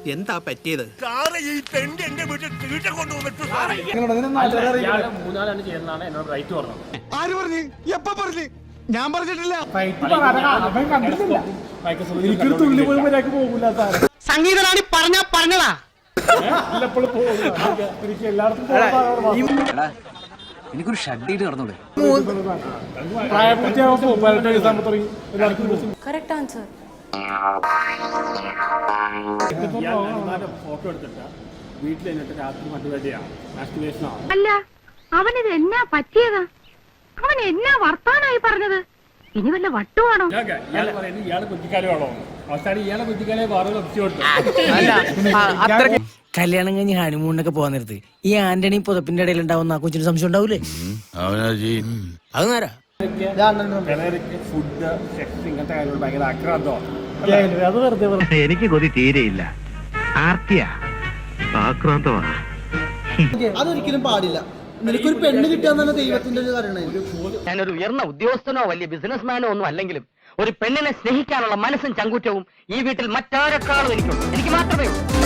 എന്താ പറ്റിയത്? മൂന്നാലാണ് ചെയ്യുന്നതാണ് എന്നോട് റൈറ്റ് പറഞ്ഞത്. ആര് പറഞ്ഞു? എപ്പ പറഞ്ഞു? ഞാൻ പറഞ്ഞിട്ടില്ല. സംഗീതമാണ് പറഞ്ഞതാ. എനിക്കൊരു ഷഡ്ഡീട്ട് നടന്നൂടെ? Correct answer. ഫോട്ടോ എടുത്തിട്ട് വീട്ടിൽ എന്നിട്ട് രാത്രി മറ്റുവേഷനാണ്. അല്ല, അവനിത് എന്നാ പറ്റിയതാ? അവൻ എന്നാ വർത്താനായി പറഞ്ഞത്? ഇനി വല്ല വട്ടുവാണോ? ഇയാള് പറയുന്നത് ഇയാള് കുറ്റിക്കാലുമാണോ? അവസാനം ഇയാളെ കുറ്റിക്കാലെ വേറെ ഒപ്പിച്ചു കൊടുത്തു. കല്യാണം കഴിഞ്ഞ് ഹണിമൂണിനൊക്കെ പോകാൻ നേരത്ത് ഈ ആന്റണി പുതപ്പിന്റെ ഇടയിൽ ഉണ്ടാവുന്ന ആ കൊച്ചിന് സംശയം ഉണ്ടാവൂലേ? അത് നേരാ. ഫുഡ്, സെക്സ്, ഇങ്ങനത്തെ കാര്യങ്ങൾ ഭയങ്കര ആക്രാന്തമാണ്. എനിക്ക് കൊതി തീരെയില്ല. ആർത്തിയാ, ആക്രാന്തമാണ്. അതൊരിക്കലും പാടില്ല. നിനക്കൊരു പെണ്ണ് കിട്ടാന്നാണ് ദൈവത്തിന്റെ ഒരു കാരണം. ഞാനൊരു ഉയർന്ന ഉദ്യോഗസ്ഥനോ വലിയ ബിസിനസ്മാനോ ഒന്നും അല്ലെങ്കിലും ഒരു പെണ്ണിനെ സ്നേഹിക്കാനുള്ള മനസ്സും ചങ്കൂറ്റവും ഈ വീട്ടിൽ മറ്റാരെക്കാളും എനിക്കുണ്ട്. എനിക്ക് മാത്രമേ ഉള്ളൂ.